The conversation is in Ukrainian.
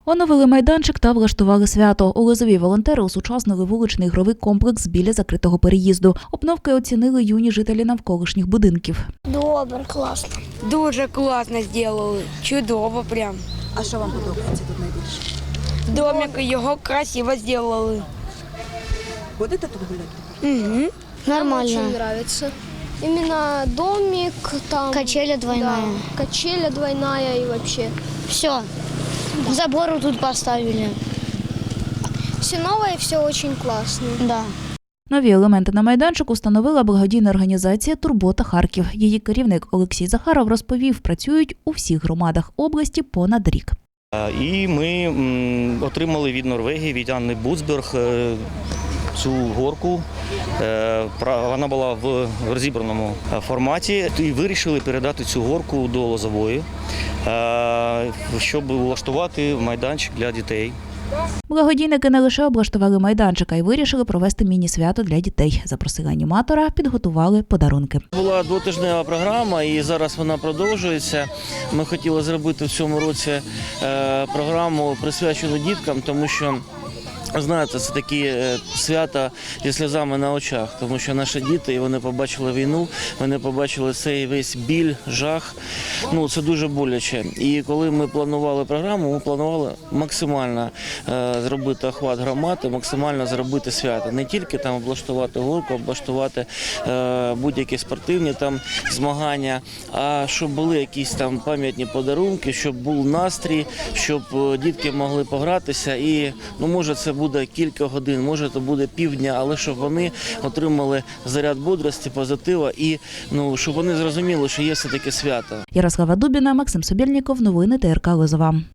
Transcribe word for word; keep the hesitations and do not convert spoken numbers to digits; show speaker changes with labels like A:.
A: Оновили майданчик та влаштували свято. У Лозові волонтери осучаснили вуличний ігровий комплекс біля закритого переїзду. Обновки оцінили юні жителі навколишніх будинків.
B: Добре, класно.
C: Дуже класно зробили, чудово прям.
D: А що вам подобається тут найбільше?
C: Домик його красиво зробили.
D: Будете тут гуляти?
C: Угу.
B: Нормально.
E: Очень нравится. Именно домик, там...
B: Качеля двойная.
E: Да, качеля двойная и вообще.
B: Все. Забору тут поставили.
E: Все новое, все очень классно.
B: Да.
A: Нові елементи на майданчику встановила благодійна організація «Турбота Харків». Її керівник Олексій Захаров розповів, працюють у всіх громадах області понад рік.
F: І ми отримали від Норвегії, від Анни Буцберг цю горку. Вона була в розібраному форматі і вирішили передати цю горку до Лозової, щоб влаштувати майданчик для дітей.
A: Благодійники не лише облаштували майданчик, а й вирішили провести міні-свято для дітей. Запросили аніматора, підготували подарунки.
G: Була двотижнева програма і зараз вона продовжується. Ми хотіли зробити в цьому році програму, присвячену діткам, тому що, знаєте, це такі свята зі сльозами на очах, тому що наші діти, і вони побачили війну, вони побачили цей весь біль, жах. Ну, це дуже боляче. І коли ми планували програму, ми планували максимально е, зробити охват громади, максимально зробити свято. Не тільки там облаштувати горку, облаштувати е, будь-які спортивні там змагання, а щоб були якісь там пам'ятні подарунки, щоб був настрій, щоб дітки могли погратися. І, ну, може, це буде кілька годин, може це буде півдня, але щоб вони отримали заряд бодрості, позитива і, ну, щоб вони зрозуміли, що є все-таки свято.
A: Ярослава Дубіна, Максим Собєльніков, новини Т Р К Лозова.